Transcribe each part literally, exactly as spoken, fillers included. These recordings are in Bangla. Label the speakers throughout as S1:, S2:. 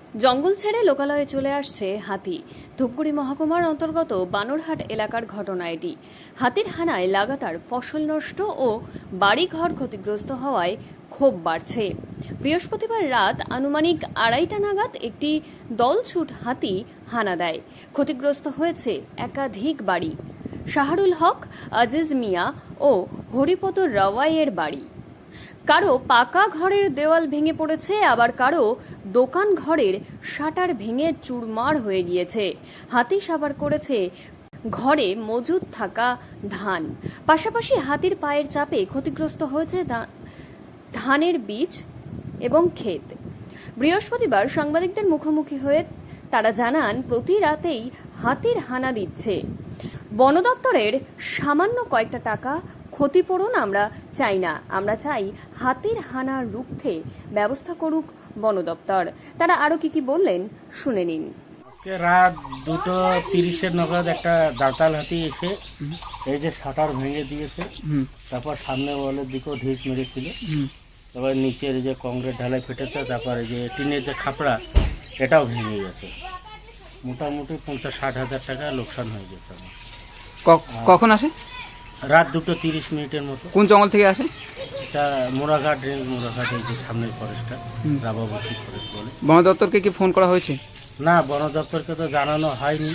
S1: জঙ্গল ছেড়ে লোকালয়ে চলে আসছে হাতি। ধূপগুড়ি মহকুমার অন্তর্গত বানরহাট এলাকার ঘটনা এটি। হাতির হানায় লাগাতার ফসল নষ্ট ও বাড়িঘর ক্ষতিগ্রস্ত হওয়ায় ক্ষোভ বাড়ছে। বৃহস্পতিবার রাত আনুমানিক আড়াইটা নাগাদ একটি দলছুট হাতি হানা দেয়। ক্ষতিগ্রস্ত হয়েছে একাধিক বাড়ি। শাহরুল হক, আজিজ মিয়া ও হরিপদ রাওয়াইয়ের বাড়ি। কারো পাকা ঘরের দেওয়াল ভেঙে পড়েছে, আবার কারো দোকান ঘরের শাটার ভেঙে চুরমার হয়ে গিয়েছে। হাতি সাবার করেছে ঘরে মজুদ থাকা ধান। পাশাপাশি হাতির পায়ের চাপে ক্ষতিগ্রস্ত হয়েছে ধানের বীজ এবং ক্ষেত। বৃহস্পতিবার সাংবাদিকদের মুখোমুখি হয়ে তারা জানান, প্রতি রাতেই হাতির হানা দিচ্ছে। বন দপ্তরের সামান্য কয়েকটা টাকা ক্ষতিপূরণ আমরা চাই না, আমরা চাই হাতির হানা রুখতে ব্যবস্থা করুক বন দপ্তর। তারা আরো কি কি বললেন শুনে নিন।
S2: আজকে রাত দুটো তিরিশের নাগাদ একটা দাঁতাল হাতি এসে এই যে শাটার ভেঙে দিয়েছে, তারপর সামনে ওয়ালের দিকেও ঢিস মেরেছিল, তারপর নিচের যে কংক্রিট ঢালাই ফেটেছে, তারপর এই যে টিনের যে খাপড়া এটাও ভেঙে গেছে। মোটামুটি পঞ্চাশ ষাট হাজার টাকা লোকসান হয়ে গেছে আমার।
S3: কখন আসে?
S2: রাত দুটো তিরিশ মিনিটের মতো।
S3: কোন জঙ্গল থেকে আসে?
S2: এটা মোড়াঘাট রেঞ্জ, মোড়াঘাট এই যে সামনের ফরেস্টটা রাবাবতী ফরেস্ট বলে।
S3: বন দপ্তরকে কি ফোন করা হয়েছে?
S2: না, বন দপ্তরকে তো জানানো হয়নি।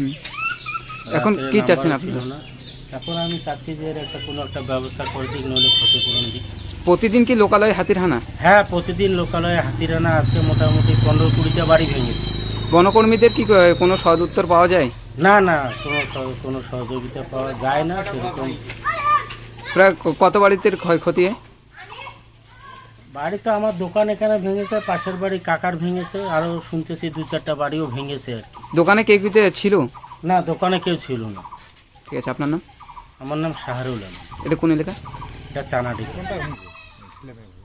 S3: এখন কি চাচ্ছেন আপনি?
S2: না, এখন আমি চাচ্ছি যে এর একটা কোনো একটা ব্যবস্থা করে দিক, নইলে ক্ষতিপূরণ দিক।
S3: প্রতিদিন কি লোকালয়ে হাতির হানা?
S2: হ্যাঁ, প্রতিদিন লোকালয়ে হাতির হানা। আজকে মোটামুটি পনেরো কুড়িটা বাড়ি ভেঙেছে।
S3: বনকর্মীদের কি কোনো সদ উত্তর পাওয়া যায়?
S2: না না, কোনো কোনো সহযোগিতা পাওয়া যায় না সেরকম।
S3: প্রায় কত বাড়িতে ক্ষয়ক্ষতি?
S2: বাড়ি তো আমার দোকান এখানে ভেঙেছে, পাশের বাড়ি কাকার ভেঙেছে, আরও শুনতেছি দু চারটা বাড়িও ভেঙেছে আর কি।
S3: দোকানে কে কিতে ছিল?
S2: না, দোকানে কেউ ছিল না।
S3: ঠিক আছে, আপনার নাম?
S2: আমার নাম শাহরুল আলম।
S3: এটা কোন এলাকা?
S2: এটা চানাডি।